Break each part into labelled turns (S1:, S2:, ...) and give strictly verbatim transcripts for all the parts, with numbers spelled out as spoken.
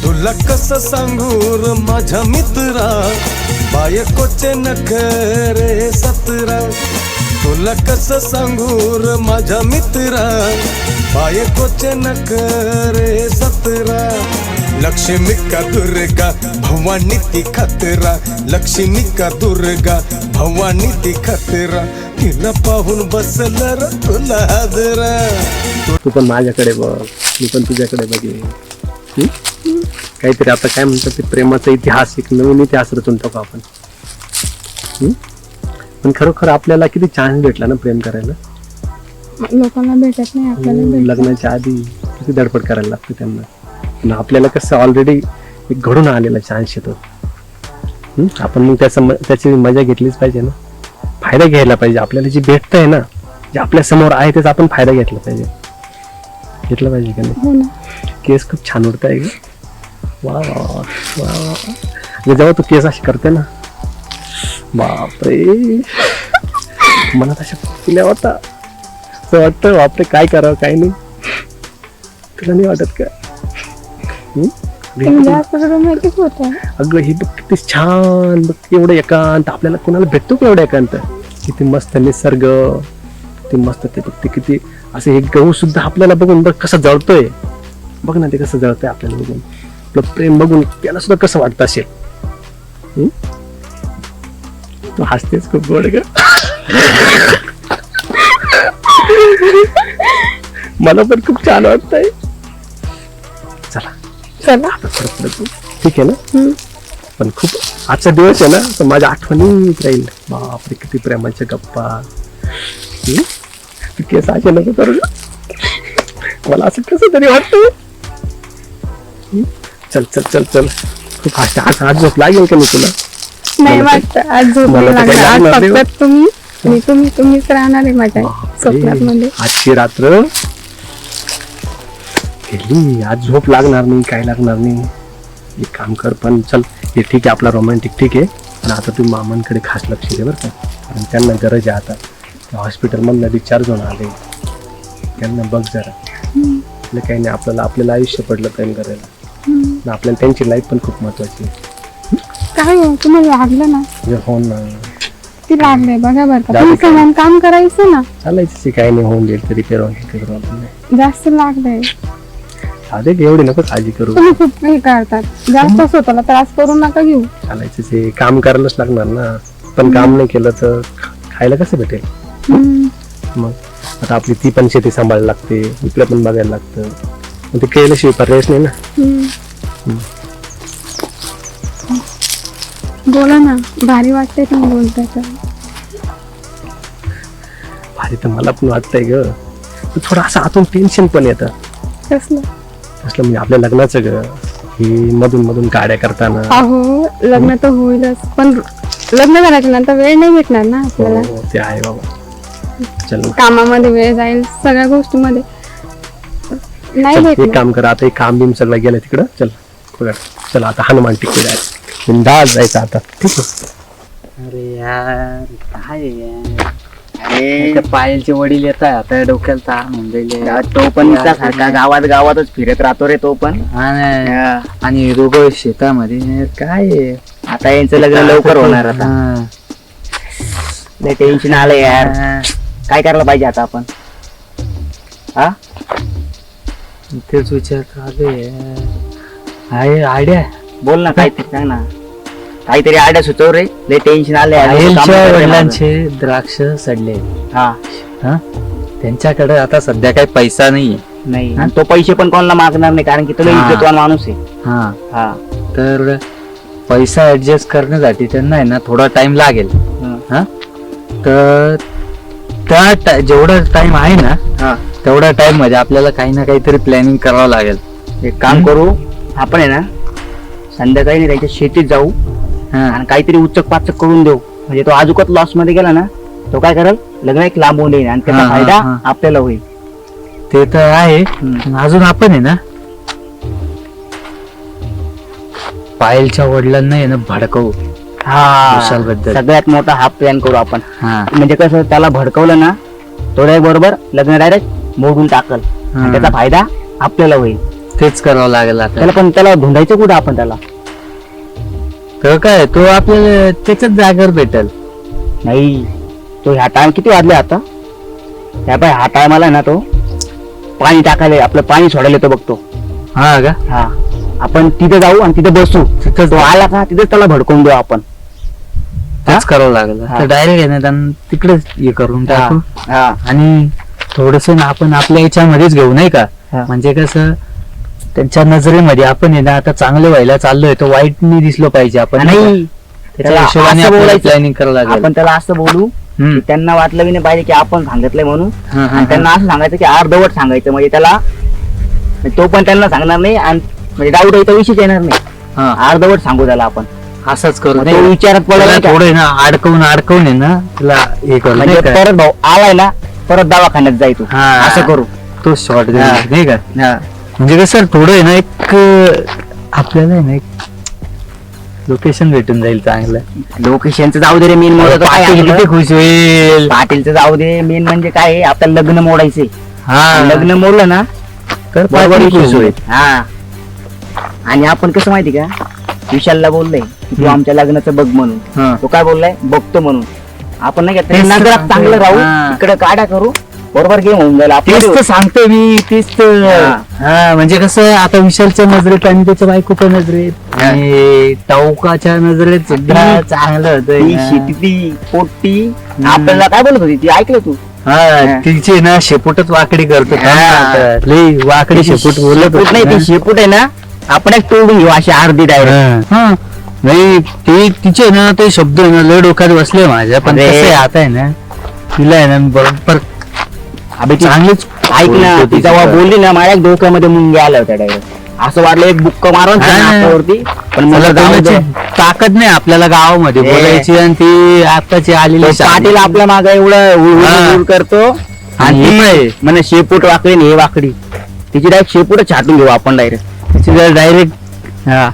S1: तुला कसं सांगू र माझ्या मित्रा, बायकोचे नखरे सतरा. तुला कसं सांगू र माझ्या मित्रा, बायकोचे नखरे सतरा. लक्ष्मी का दुर्गा भवानी ती खतरा, लक्ष्मी का दुर्गा भवानी ती खतरा. तिला पाहून बसलं र तुला हादरा.
S2: तू पण माझ्याकडे बघ, मी पण तुझ्याकडे बघे. काहीतरी आता काय म्हणतात ते प्रेमाचा इतिहास, एक नवीन इतिहास रचून टाकू आपण. पण खरोखर आपल्याला किती चान्स भेटला ना प्रेम करायला.
S3: लोकांना भेटत नाही, आपल्याला भेटतं.
S2: लग्नाच्या आधी किती धडपड करायला लागते त्यांना. पण आपल्याला कसं ऑलरेडी एक घडून आलेला चान्स येतो. आपण मग त्याचा त्याची मजा घेतलीच पाहिजे ना, फायदा घ्यायला पाहिजे. आपल्याला जे भेटतंय ना, जे आपल्या समोर आहे त्याचा आपण फायदा घेतला पाहिजे. घेतला पाहिजे का नाही.
S3: हो ना.
S2: केस खूप छान उडत आहे. वा वा वा. जेव्हा तू केस अशी करते ना, बापरे, मला तशा फुल्या होता. असं वाटतं बापरे काय करावं काय नाही. तुला नाही वाटत का? अगं हे बघ किती छान, बघ एवढं एकांत. आपल्याला कोणाला भेटतो का एवढं एकांत. किती मस्त निसर्ग, किती मस्त. ते बघ ते किती असं हे गहू सुद्धा आपल्याला बघून बघ कसं जळतोय. बघ ना ते कसं जळतंय आपल्याला बघून. आपलं प्रेम बघून त्याला सुद्धा कसं वाटत असेल. तू हसतेच खूप गोड ग. मला पण खूप छान वाटतंय. चला
S3: चला
S2: ठीक आहे ना. पण खूप आजचा दिवस आहे ना, तर माझ्या आठवणीत राहील. बापरे किती प्रेमाच्या गप्पा. तू केस असे नको करू, मला असं कसं तरी वाटतं. चल चल चल चल. खूप आज आज झोप लागेल का मी तुला.
S3: नाही वाटतं आज झोप नाही लागणार. आज फक्त तुम्ही आणि तुम्ही तुम्हीच राहणार आहे माझ्या स्वप्नात मध्ये.
S2: आजची रात्र गेली, आज झोप लागणार नाही, काय लागणार नाही. एक काम कर, पण चल हे ठीक आहे आपला रोमॅन्टिक ठीक आहे, पण आता तू मामांकडे खास लक्ष दे बरं का. कारण त्यांना गरज आहे आता. हॉस्पिटलमधनं डिस्चार्ज होऊन आले, त्यांना बघ जरा. आपलं काही नाही, आपल्याला आपल्याला आयुष्य पडलं प्रेम करायला. आपल्याला त्यांची लाईफ पण खूप महत्वाची आहे.
S3: काय हो तुम्हाला लागलं ना.
S2: हो ना,
S3: ती लागलंय बघा बरं का. तुम्ही समान काम करायचं ना.
S2: चालायचं काही नाही, होऊन जाईल तरी करू करू आपण.
S3: जास्त लागलंय.
S2: अरे एवढी नको काळजी करू.
S3: तुम्ही खूप हे करतात, जास्त स्वतःला त्रास करू नका घेऊ.
S2: चालायचं हे काम करायलाच लागणार ना. पण काम नाही केलं तर खायला कसं भेटेल. मग आता आपली ती पण शेती सांभाळायला लागते, इकडे पण बघायला लागतं. मग ते केल्याशिवाय पर्यायच नाही ना.
S3: बोला ना, भारी वाटतंय तुम्ही बोलताय तर.
S2: भारी तर मला पण वाटतंय ग. थोडं असं आतून टेन्शन पण येतं.
S3: कसलं
S2: कसलं म्हणजे आपल्या लग्नाचं ग. हे मधून मधून गाड्या करताना.
S3: अहो लग्न तर होईलच, पण लग्न झाल्याच्या नंतर वेळ नाही भेटणार ना आपल्याला.
S2: ते आहे बाबा. चल
S3: कामामध्ये वेळ जाईल, सगळ्या गोष्टीमध्ये नाही भेटणार.
S2: एक काम कर, आता एक काम बिम सगळं गेलं तिकडं. चल बघा, चल आता हनुमान टिकू जायचं, बिंदास जायचं आता. ठीक आहे.
S4: अरे यार काय यार. अरे पायलचे वडील येत आहे आता, डोक्याला ताण होऊन जाईल.
S5: तो पण सारखा गावात गावातच फिरत राहतो रे तो पण.
S4: आणि दोघं शेतामध्ये काय आहे.
S5: आता यांचं लग्न लवकर होणार आता. लय टेन्शन आलं यार. काय करायला पाहिजे आता आपण. हा
S4: तेच विचार चालू आहे. आयडिया
S5: बोल ना, काहीतरी सांग ना, काहीतरी आयडिया सुचव रे. लय टेन्शन आलंय.
S4: वडिलांचे द्राक्ष सडले.
S5: हा
S4: हा त्यांच्याकडे आता सध्या काही पैसा नाहीये.
S5: नाही, आणि तो पैसे पण कोणाला मागणार नाही, कारण की तो लय इज्जतवान माणूस आहे.
S4: हा
S5: हा
S4: तर पैसा ऍडजस्ट करण्यासाठी त्यांना आहे ना थोडा टाइम लागेल. हा तर त्या जेवढा टाइम आहे ना,
S5: हा
S4: तेवढ्या टाइम मध्ये आपल्याला काही ना काहीतरी प्लॅनिंग करावं लागेल.
S5: एक काम करू आपण आहे ना, संध्याकाळी त्याच्या शेतीत जाऊ आणि काहीतरी उचक पाचक करून देऊ. म्हणजे तो अजूकच लॉस मध्ये गेला ना, तो काय करेल, लग्न एक लांबवून देईल आणि त्याचा फायदा आपल्याला होईल.
S4: ते तर आहे. अजून आपण आहे ना पायलच्या वडिलांना आहे ना भडकवू.
S5: हा सगळ्यात मोठा हा प्लॅन करू आपण. म्हणजे कसं, त्याला भडकवलं ना, तो बरोबर लग्न डायरेक्ट मोडून टाकल आणि त्याचा फायदा आपल्याला होईल.
S4: तेच करावं लागेल आता.
S5: त्याला पण त्याला धुंडायचं कुठं आपण त्याला?
S4: तर काय तो आपल्याला त्याच्याच जागेवर भेटेल.
S5: नाही, तो ह्या टाइम किती वाजले आता? ह्या पाय ह्या टायमाला ना तो पाणी टाकायला आपलं पाणी सोडायला येतो बघतो.
S4: हा का?
S5: हा, आपण तिथे जाऊ आणि तिथे बसू. तिथं तो आला का तिथे त्याला भडकवून देऊ आपण.
S4: तेच करावं लागेल.
S5: हा.
S4: तर डायरेक्ट आहे ना त्यांना तिकडेच हे करून टाकू.
S5: हा,
S4: आणि थोडस ना आपण आपल्या याच्यामध्येच घेऊ नाही का?
S5: हा.
S4: म्हणजे कसं त्यांच्या नजरेमध्ये आपण आहे ना आता चांगलं व्हायला चाललोय, तो वाईट नाही दिसलो पाहिजे आपण.
S5: नाही,
S4: त्याच्या
S5: त्याला
S4: हिशोबाने
S5: असं
S4: आपल्याला
S5: बोलायचं.
S4: प्लॅनिंग करावं लागेल.
S5: आपण त्याला असं बोलू
S4: हम्म.
S5: की त्यांना वाटलं बी नाही पाहिजे की आपण सांगितलंय म्हणून.
S4: हा, हा,
S5: आणि त्यांना असं सांगायचं की अर्धवट सांगायचं, म्हणजे त्याला म्हणजे तो पण त्यांना सांगणार नाही आणि म्हणजे डाऊट यायचा विषयच येणार नाही.
S4: हा,
S5: अर्धवट सांगू त्याला आपण.
S4: असंच करू.
S5: मग तो विचारात पडला
S4: त्याला
S5: नाही का?
S4: थोडं आहे ना अडकवून अडकवून आहे ना त्याला हे करू
S5: म्हणजे
S4: नाही का?
S5: परत भाऊ आलाय ना परत दवाखान्यात जाय तू.
S4: हा.
S5: असं करू.
S4: तो शॉर्ट
S5: हा.
S4: नाही का? म्हणजे कसं थोडं आहे ना एक अं, आपल्याला आहे ना एक लोकेशन भेटून जाईल चांगलं.
S5: लोकेशनचं जाऊ दे रे, मेन मोड काय
S4: पाटील
S5: आपलं?
S4: किती खुश होईल.
S5: पाटीलचं जाऊ दे, मेन म्हणजे काय आहे, आपल्याला लग्न मोडायचंय.
S4: हा,
S5: लग्न मोडलं ना
S4: तर
S5: बरोबर
S4: पाटील खुश
S5: विषय
S4: होईल.
S5: होईल. हा, आणि आपण कसं माहिती का, विशालला बोललोय की तू
S4: हम्म.
S5: आमच्या लग्नाचं बघ म्हणून.
S4: हा.
S5: तो काय बोललाय, बघतो म्हणून. आपण नाही का
S4: तेच तर
S5: नजरात
S4: सांगतोय.
S5: चांगलं राहू,
S4: हा.
S5: इकडे काढा करू, बरोबर गेम होऊन जाईल
S4: तेच तर
S5: आपलं.
S4: सांगतोय मी. तेच तर
S5: हा.
S4: हा, म्हणजे कसं आता विशालच्या नजरेत आणि त्याच्या बायकोच्या नजरेत आणि टाऊकाच्या नजरेत सुद्धा
S5: ती-
S4: चांगलं होतंय
S5: ती
S4: ना.
S5: शेती ती पोट्टी आपल्याला काय बोलत होती ती ऐकलं तू?
S4: हा, तिची ना शेपूटच वाकडी करतो.
S5: हा.
S4: लई वाकडी शेपूट बोलत
S5: शेपूट नाही,
S4: होती
S5: ती
S4: ना.
S5: शेपूट आहे ना, आपण एक तोडून घेऊ अशी अर्धी डायरेक्ट.
S4: हा. नाही ते तिचे ना ते शब्द आहे ना लय डोक्यात बसले माझ्या. पण
S5: अरे.
S4: कसं आहे आता आहे ना तिला आहे ना बरोबर
S5: अबे ती
S4: चांगलीच
S5: ऐक ना,
S4: बोलते
S5: ती
S4: ती.
S5: जेव्हा बोलली ना माझ्या डोक्यामध्ये मुंग्या आल्या होत्या डायरेक्ट. असं वाटलं एक बुक्क मारून
S4: हा.
S5: नाकावरती. पण मला
S4: मला
S5: जाऊ दे.
S4: बोलण्याची ताकद नाही आपल्याला गावामध्ये
S5: ए.
S4: बोलायची आणि ती आताची आलेली
S5: तो
S4: शान.
S5: पाटील आपल्या मागे एवढं उड-
S4: हा.
S5: उड- उड करतो
S4: आणि
S5: आणि
S4: हे
S5: ती म्हणे शेपूट वाकडी आणि हे वाकडी. तिची डायरेक्ट शेपूट छाटून घेऊ आपण डायरेक्ट.
S4: तिची डायरेक्ट हा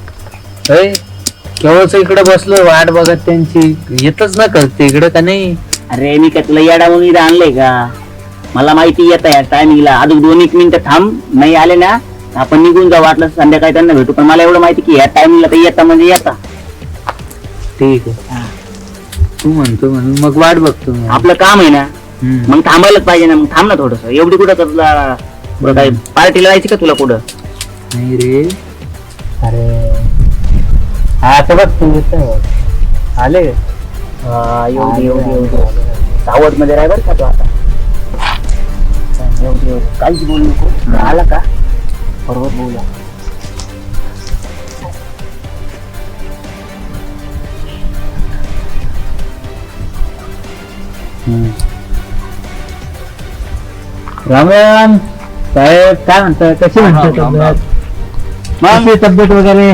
S4: केवळच इकडे बसलो वाट बघत त्यांची. येतच ना करते इकडे का नाही.
S5: अरे मी का तुला येडा म्हणून इथं आणलंय का? मला माहिती येत या टायमिंगला अजून दोन एक मिनिटं थांब, नाही आले ना आपण निघून जाऊ, वाटलं तर संध्याकाळी त्यांना भेटू. पण मला एवढं माहिती की या टायमिंगला तर येता म्हणजे येता.
S4: ठीक आहे तू म्हणतो म्हणून मग वाट बघतो मी.
S5: आपलं काम आहे ना,
S4: हम्म.
S5: मग थांबायलाच पाहिजे ना. मग थांब ना थोडस. एवढी कुठं का तुला कुठं काय पार्टीला जायची का तुला कुठं?
S4: नाही रे. अरे हा आता बघ तू येतोय. आले
S5: हा, एवढी एवढी एवढी सावध मध्ये राह बरं का तू आता. एवढी एवढी काहीच बोलू नको. आला का बरोबर बोलूया.
S4: रामराम साहेब काय म्हणता, कशी म्हणता तब्येत? कशी तब्येत वगैरे?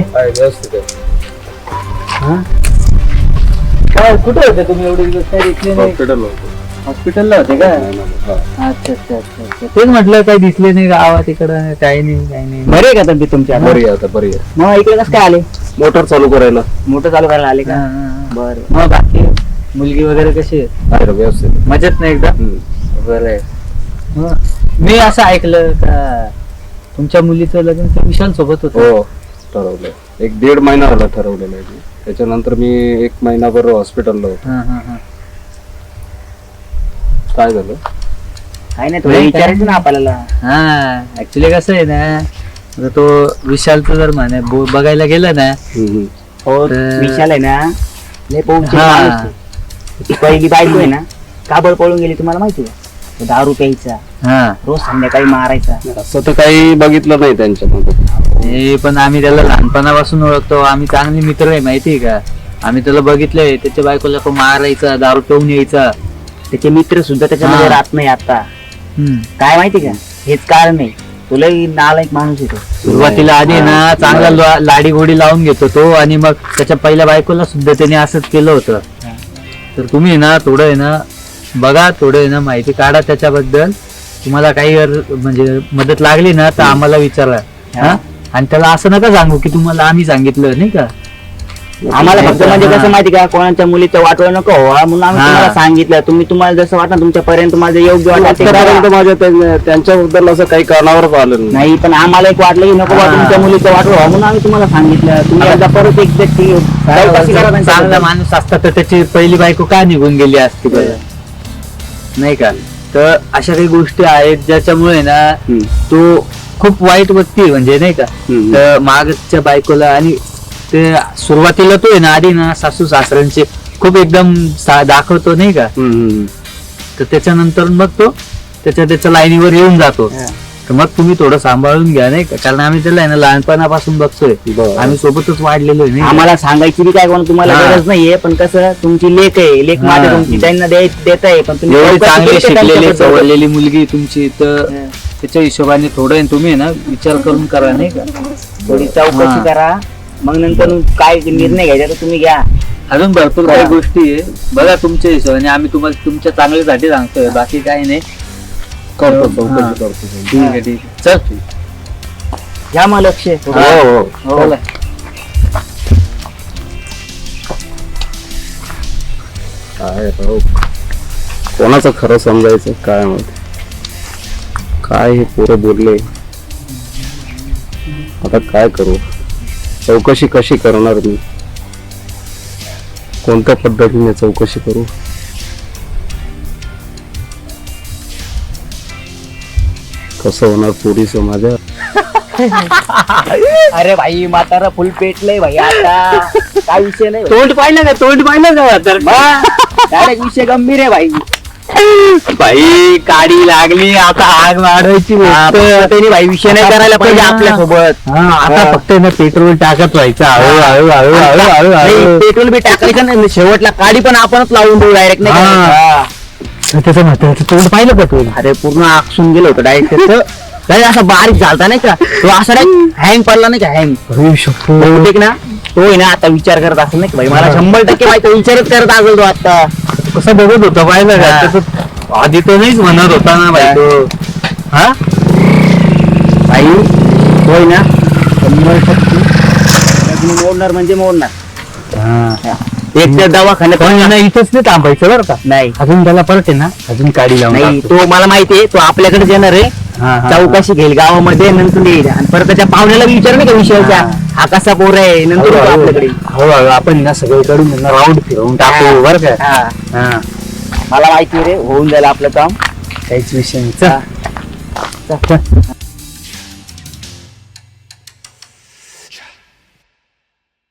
S4: हा? काय कुठे होते तुम्ही एवढे दिवस? काय दिसले नाही. हॉस्पिटलला होते का? अच्छा अच्छा अच्छा अच्छा. तेच म्हटलं काही दिसले नाही गावात इकडं. काही नाही काही नाही.
S5: बरे का तब्येत तुमची आता?
S1: बरी आहे आता, बरी आहे.
S5: मग इकडे कसं काय आले?
S1: मोटर चालू करायला
S5: मोठं चालू करायला आले
S4: हा,
S5: का?
S4: हा, हा.
S5: बरं.
S4: मग बाकी मुलगी वगैरे कशी आहे?
S1: आहे रे, व्यवस्थित.
S4: मजेत नाही एकदा?
S1: हम्म.
S4: बरं आहे. मग मी असं ऐकलं का तुमच्या मुलीचं लग्न त्या विशाल सोबत होतं.
S1: हो, ठरवलंय. एक दीड महिना झाला ठरवलेलं आहे. त्याच्यानंतर मी एक महिनाभर हॉस्पिटलला होतो.
S4: हा हा हा.
S1: काय झालं?
S5: काय नाही, थोडं
S4: नाही,
S5: विचारायचं
S4: काय
S5: ना आपल्याला.
S4: हा ऍक्च्युली कसं आहे ना, आता तो विशालचं जर म्हणे बो- बघायला गेलं ना
S1: हम्म.
S5: हो,
S4: तर-
S5: विशाल आहे ना, लय पौंचे
S4: हा.
S5: माणूस आहे. ती पहिली बायको आहे ना, काबळ पळून गेली तुम्हाला माहिती आहे? तो दारू प्यायचा,
S4: हा
S5: रोज संध्याकाळी मारायचा.
S1: असं तर काही बघितलं नाही त्यांच्यामध्ये.
S4: हे पण आम्ही त्याला लहानपणापासून ओळखतो. आम्ही चांगले मित्र आहे माहितीये का. आम्ही त्याला बघितलंय, त्याच्या बायकोला तो मारायचा, दारू पिऊन यायचा.
S5: त्याचे मित्र सुद्धा त्याच्यामध्ये
S4: हा.
S5: राहत नाही आता.
S4: हम्म.
S5: काय माहिती का, हेच कारण नाही. तुला नालायक माणूस येतो.
S4: सुरुवातीला आधी ना चांगला ला- लाडी गोडी लावून घेतो तो, आणि मग त्याच्या पहिल्या बायकोला सुद्धा त्याने असंच केलं होतं. तर तुम्ही ना थोडं आहे ना बघा, थोडं आहे ना माहिती काढा त्याच्याबद्दल. तुम्हाला काही अर- म्हणजे मदत लागली ना तर आम्हाला विचारा. हा? आणि त्याला असं नका सांगू की तुम्हाला आम्ही सांगितलं, नाही का.
S5: आम्हाला फक्त म्हणजे कसं माहिती का कोणाच्या मुलीचं वाटवं नको व्हावा म्हणून आम्ही
S4: हा.
S5: तुम्हाला सांगितलं तुम्ही तुम्हाला जसं वाटतं तुमच्यापर्यंत माझं योग्य वाटत ते
S1: आतापर्यंत
S5: करा.
S1: माझ्या त्यां- त्यांच्याबद्दल असं काही कारणावरच आलं नाही.
S5: नाही पण आम्हाला एक वाटलं की नको बा
S4: हा.
S5: तुमच्या मुलीचं वाटवं व्हावं म्हणून आम्ही तुम्हाला सांगितलं तुम्ही एकदा परत एक ते- ती चौकशी करा
S4: चांगला
S5: त्यांच्याबद्दल.
S4: माणूस असता तर त्याची पहिली बायको का निघून गेली असती बरं नाही का. तर अशा काही गोष्टी आहेत ज्याच्यामुळे ना
S1: हम्म.
S4: तो खूप वाईट व्यक्ती आहे म्हणजे नाही का.
S1: हम्म.
S4: तर मागच्या बायकोला आणि ते सुरुवातीला तो आहे ना आधी ना सासू सासऱ्यांचे खूप एकदम सा- दाखवतो नाही का.
S1: हम्म, हम्म.
S4: तर त्याच्यानंतर मग तो त्याच्या त्याच्या लाईनीवर येऊन जातो.
S5: हा.
S4: तर मग तुम्ही थोडं सांभाळून घ्या नाही का कारण आम्ही त्याला आहे ना लहानपणापासून बघतोय
S1: बरं.
S4: आम्ही सोबतच वाढलेलो आहे नाही का?
S5: आम्हाला सांगायची बी काय कोण तुम्हाला
S4: हा.
S5: गरज नाहीये पण कसं तुमची लेख आहे लेख
S4: हा.
S5: माझ्या तुमची त्यांना देत देत आहे पण तुम्ही
S4: एवढी
S5: चौकशी
S4: चांगली
S5: केली का
S4: शिकलेली
S5: त्यांच्याबद्दल?
S4: सवरलेली मुलगी तुमची तर
S5: हा.
S4: त्याच्या हिशोबाने थोडं आहे ना तुम्ही आहे ना विचार करून करा नाही का.
S5: थोडी चौकशी
S4: हा.
S5: करा मग नंतर काय निर्णय घ्यायचा तर तुम्ही घ्या.
S4: अजून भरपूर काही
S5: हा.
S4: गोष्टी आहे बघा तुमच्या हिशोबाने आम्ही तुम्हाला तुमच्या चांगल्यासाठी सांगतोय बाकी काही नाही.
S1: करतो
S4: हा.
S1: चौकशी करतो.
S4: ठीक आहे ठीक आहे चल.
S5: घ्या मग लक्ष
S1: हो हो
S5: हो.
S4: चला.
S1: काय राव कोणाचं खरं समजायचं काय माहिती काय हे पोरं बोलले आता काय करू चौकशी कशी करणार मी कोणत्या पद्धतीने चौकशी करू कसं होणार पोरीचं माझ्या
S5: अरे भाई म्हातारा फुल पेटलंय भाई आता काय विषय नाही
S4: तोंड पाहिलं का तोंड पाहिलं का तर
S5: डायरेक्ट विषय गंभीर आहे भाई
S4: बाई काडी लागली आता आग वाढवायची
S5: हा,
S4: गोष्ट.
S5: फक्त त्यांनी भाई विषय नाही करायला पाहिजे
S4: हा.
S5: आपल्यासोबत
S4: हा आता
S5: हा.
S4: फक्त ना पेट्रोल टाकत व्हायचं हळू हळू हळू हळू हळू
S5: नाही,
S4: हळू
S5: पेट्रोल बी टाकायचं नाही शेवटला काडी पण आपणच लावून देऊ डायरेक्ट नाही
S4: हा.
S5: का?
S4: त्याचं म्हाताऱ्याचं तोंड पाहिलं का तू
S5: अरे पूर्ण आकसून गेलो होतं डायरेक्ट त्याचं नाही, असं बारीक झालता नाही का तो असा हँग पडला नाही का हँग बहुतेक ना तो आहे ना आता विचार करत असेल नाही का भाई मला शंभर टक्के माहिती विचारच करत असेल तो आता
S4: कसं बघत होता पाहिलं का
S5: हा.
S4: त्याचं आधी तो नाहीच म्हणत होता ना बाई तो हा
S5: भाई होय ना शंभर टक्के लग्न मोडणार म्हणजे मोडणार एक तर दवाखान्यात
S4: पण ना इथंच नाही थांबायचं बरं का
S5: नाही
S4: अजून त्याला परत आहे ना अजून काडी लावून
S5: नाही
S4: टाकतो.
S5: तो मला माहिती आहे तो आपल्याकडे येणार आहे
S4: हा, हा,
S5: चौकशी घेईल गावामध्ये नंतर येईल आणि परत त्याच्या पाहुण्याला बी विचार नाही का विषयाच्या
S4: हा.
S5: हा कसा पोर आहे नंतर येतो आपल्याकडे
S4: हळूहळू आपण ना सगळीकडून राऊंड फिरवून टाकू बरं का
S5: हा.
S4: हा
S5: मला माहिती आहे रे होऊन जाईल आपलं काम
S4: काहीच विषय नाही
S5: हा.
S4: चल. चल.